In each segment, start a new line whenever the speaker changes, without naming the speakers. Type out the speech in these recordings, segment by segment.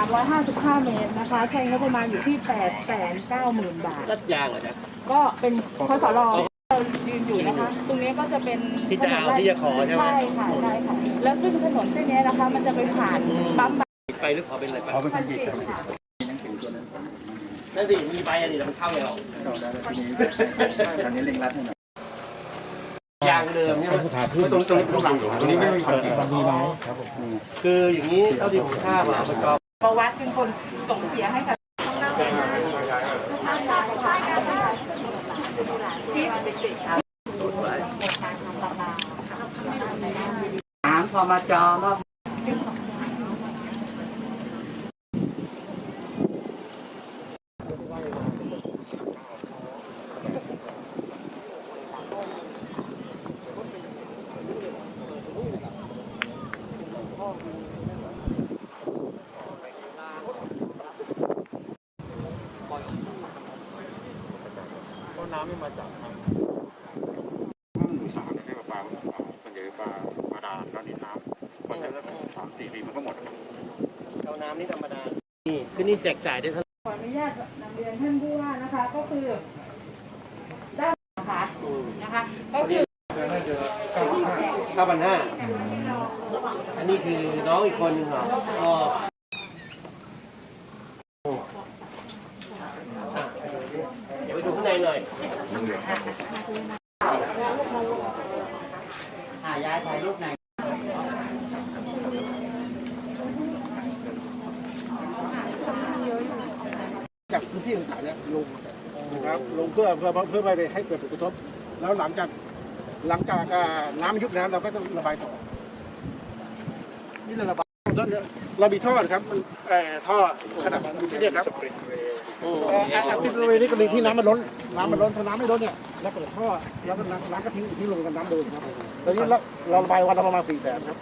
355 เมตรนะคะใช้งบประมาณอยู่ที่ 890,000 บาท
รัดยางเหรอจ๊ะ
ก็เป็นคสรเรายืนอยู่นะคะตรงนี้ก็จะเป็น
ที่จะเอาที่จะขอใช่ไหม
ใช่ค่ะใช่ค่ะแล้วซึ่งถนนเส้นนี้นะคะมันจะไปผ่านปั๊ม
ไปหรือขอเป็นอะไรไป
ขอเป็นคนผิดครับ
นั่นสิมีใบอะไรแต่มันเข้าไงเรา
เข้าได้แล้วทีนี้ทางนี้เร่งรัดให้หน่อย
ยางเดิมใช่ไหมตรงหลังตรงนี้ไม่มีความผิดความดีไหมครับผมคืออย่างนี้เท่าที่ผมทราบอ่ะ
ประวัติเป็นคนส่งเสียให้กับข้างหน้า
ถามพอมาจอว่าน้ำไม่มาจากทาง
อีสานได้ปลาส่วนใหญ่ปลาดาแล้วนี่น้ำมันจะได้3-4 ปีมันก็หมด
เอาน้ำนี่ธรรมดานี่คือนี่แจกจ่ายได้เท่า
ขออนุญาตนำเรียนท่านผู้ว่านะคะก็คือด้านนะคะก็คือ
9,500อันนี้คือน้องอีกคนหนึ่งเหรอเดี๋ยวไปดูข้างในหน่อยย้ายถ่ายรูปไหน
จากพื้นที่ต่างๆเนี่ยลงนะครับลงเพื่อไม่ให้เกิดผลกระทบแล้วหลังจากน้ำยุบแล้วเราก็ต้องระบายต่อนี่เราระบายเรามีท่อครับท่อขนาดที่เรียกครับที่บริเวณนี้ก็มีที่น้ำมันล้นพอน้ำไม่ล้นเนี่ยเราเปิดท่อแล้วก็น้ำก็ทิ้งลงกับน้ำเดิมครับตอนนี้เราระบายวันละประมาณ400,000ครับ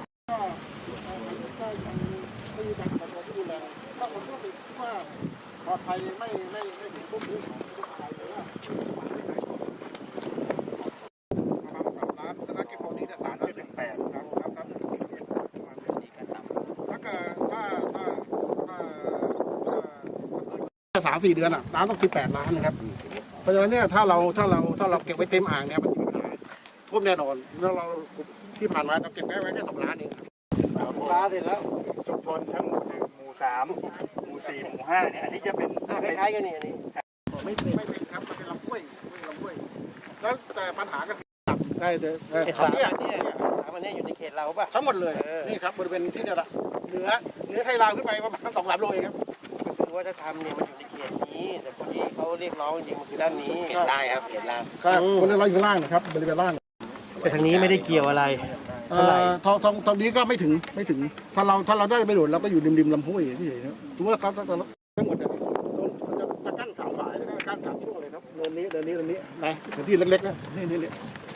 ไม่มีการขอที่ดูแลถ้าผมก็คิดว่าปลอดภัยไม่ถึงพวกนี้ประมาณ3 ล้านสถานเก็บของที่3 ล้านถึง8ครับถ้า 3-4 เดือนอ่ะน้ำต้อง18 ล้านนะครับเพราะฉะนั้นเนี่ยถ้าเราเก็บไว้เต็มอ่างเนี่ยมันมีปัญหาท่วมแน่นอนแล้วเราที่ผ่านมาเราเก็บไว้แค่2 ล้านเอง
ล้านเสร็จแล้ว
ชุมชนทั้งหมู่3หมู่4หมู่5เนี่ยอันนี้จะเป็น
คล้ายๆกันนี่อันนี้
ไม่เป็นครับมันเป็นลำห้วยแล้วแต่ปัญหาก็คือตับได้
3อันนี้อยู่ในเขตเราป่ะ
ทั้งหมดเลยนี่ครับบริเวณที่เนี่ยละเหนือไทยลาวขึ้นไปประมาณ2-3 โลเองครับ
คือว่าถ้าทำเนี่ยมันอยู่ในเขตนี้แต่พอดีเขาเรียกร้องจริงมันคือด้านนี้เขตได้ครับเขตล่าง
ครับบริเวณเราอยู่ล่างนะครับบริเวณล่าง
แต่ทางนี้ไม่ได้เกี่ยวอะไร
ตรงนี้ก็ไม่ถึงถ้าเราได้ไปโดดเราก็อยู่ริมลำห้วยที่เฉยนะถือว่าเขาทั้งหมดเนี่ยจะกั้น3 ฝ่ายแล้วก็กั้น3 ช่วงเลยครับเนินนี้นะพื้นที่เล็กๆนะนี่